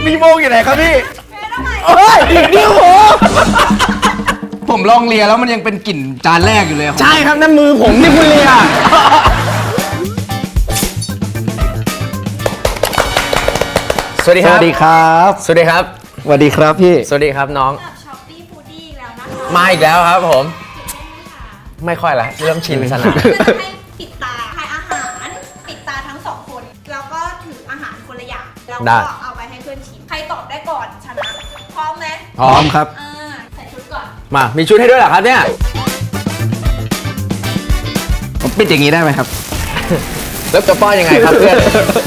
พี่โมงอยู่ไหนครับพี่เฮ้ยนิ้วผมลองเลียแล้วมันยังเป็นกลิ่นจานแรกอยู่เลยใช่ครับนั่นมือผมที่คุณเลียสวัสดีครับสวัสดีครับสวัสดีครับสวัสดีครับพี่สวัสดีครับน้องช้อปปี้ฟูดี้อีกแล้วนะคะมาอีกแล้วครับผม ไม่ค่อยละเริ่มชินสนามก็จะให้ปิดตาทายอาหาร ปิดตาทั้งสองคน แล้วก็ถืออาหารคนละอย่าง แล้วก็เอาไปให้เพื่อนชิม ใครตอบได้ก่อนชนะ พร้อมไหมพร้อมครับใส่ชุดก่อนมามีชุดให้ด้วยเหรอครับเนี่ยผมปิดอย่างนี้ได้ไหมครับแล้วจะป้อนยังไงครับเพื่อน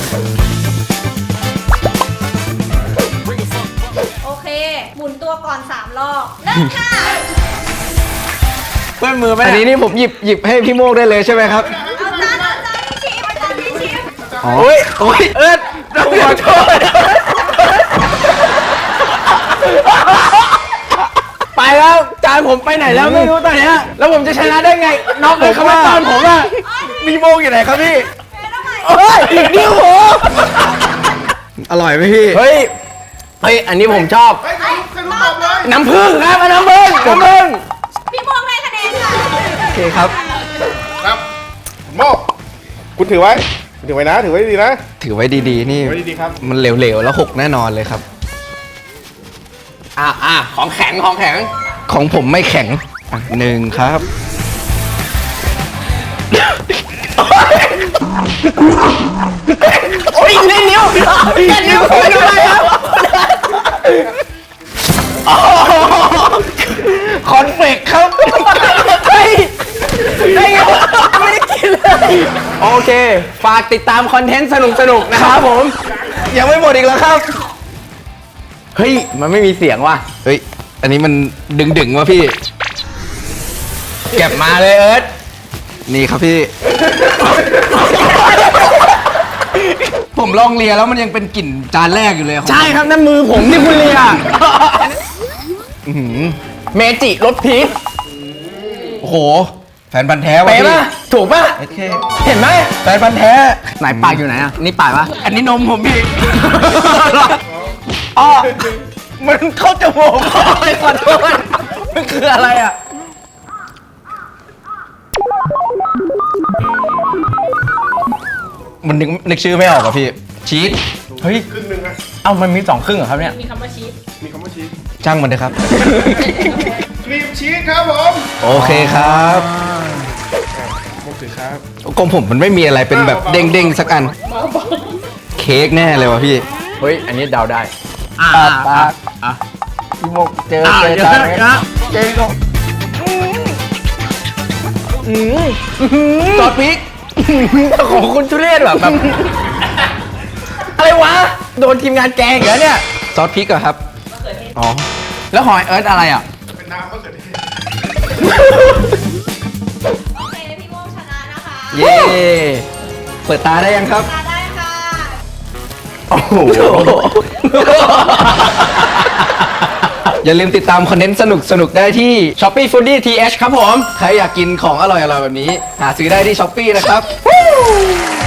โอเค หมุนตัวก่อน3รอบเริ่มค่ะเพื่อนมือไหมอันนี้นี่ผมหยิบให้พี่โมงได้เลยใช่ไหมครับเอาจานที่ชิมอาจารย์ที่ชิมอ๋อโอ้ยโอ้ยต้องขอโทษไปแล้วจานผมไปไหนแล้วไม่รู้ตอนเนี้ยแล้วผมจะชนะได้ไงน้องเลยเขามาตอนผมอะพี่โมงอยู่ไหนครับพี่เฮ้ยนิ้วผมอร่อยไหมพี่เฮ้ยอันนี้ผมชอบ น้ำผึ้งครับน้ำผึ้งพี่โมงได้คะแนนค่ะโอเคครับครับโมกคุณถือไว้ถือไว้นะ ถือไว้ดีนะถือไว้ดีๆ นี่ไว้ดีๆครับมันเหลวๆ แล้วหกแน่นอนเลยครับของแข็งของผมไม่แข็งอ่ะหนึ่งครับโอ้ยเล่นนิ้วเล่นนิ้วคุณอะไรครับคอนเฟกครับเฮ้ยได้ไงวะไม่ได้กินเลย โอเค ฝากติดตามคอนเทนต์สนุกๆนะครับผมยังไม่หมดอีกแล้วครับเฮ้ย มันไม่มีเสียงว่ะเฮ้ย อันนี้มันดึงๆวะพี่เก็บมาเลยเอิร์ธนี่ครับพี่ ผมลองเลียแล้วมันยังเป็นกลิ่นจานแรกอยู่เลยใช่ครับนั่นมือผมที่คุณเลียอื้อหือเมจิรสพีชโอ้โห แฟนพันธ์แท้วะเป๊ะพี่ป่ะถูกป่ะโอเคเห็นไหมแฟนพันธ์แท้ไหนปากอยู่ไหนอ่ะ นี่ปากปะอันนี้นมผมพี่อ๋อมันเข้าจมูกขอโทษมันคืออะไรอ่ะมันนึกชื่อไม่ออกอะพี่ ชีสเฮ้ยครึ่งหนึ่งนะเอ้ามันมี2 ครึ่งเหรอครับเนี่ยมีคำว่าชีสช่างมันเถอะครับครีมชีสครับผมโอเคครับโมกถือครับกลมผมมันไม่มีอะไรเป็นแบบเด้งๆสักอัน เค้กแน่เลยวะพี่เฮ้ย อันนี้เดาได้พี่โมกเจอเจอครับเจอก็ซอสพริกของคุณทุเรศแบบอะไรวะ โดนทีมงานแกงอีกแล้วเนี่ยซอสพริกเหรอครับ อ๋อแล้วหอยเอิร์ธอะไรอ่ะเป็นน้ำมะเขือเทศโอเค พี่โมงชนะนะคะเย้ เปิดตาได้ยังครับตาได้ค่ะโอ้โห อย่าลืมติดตามคอนเทนต์สนุกๆ ได้ที่ Shopee Foodie TH ครับผมใครอยากกินของอร่อยๆ แบบนี้ หาซื้อได้ที่ช้อปปี้นะครับ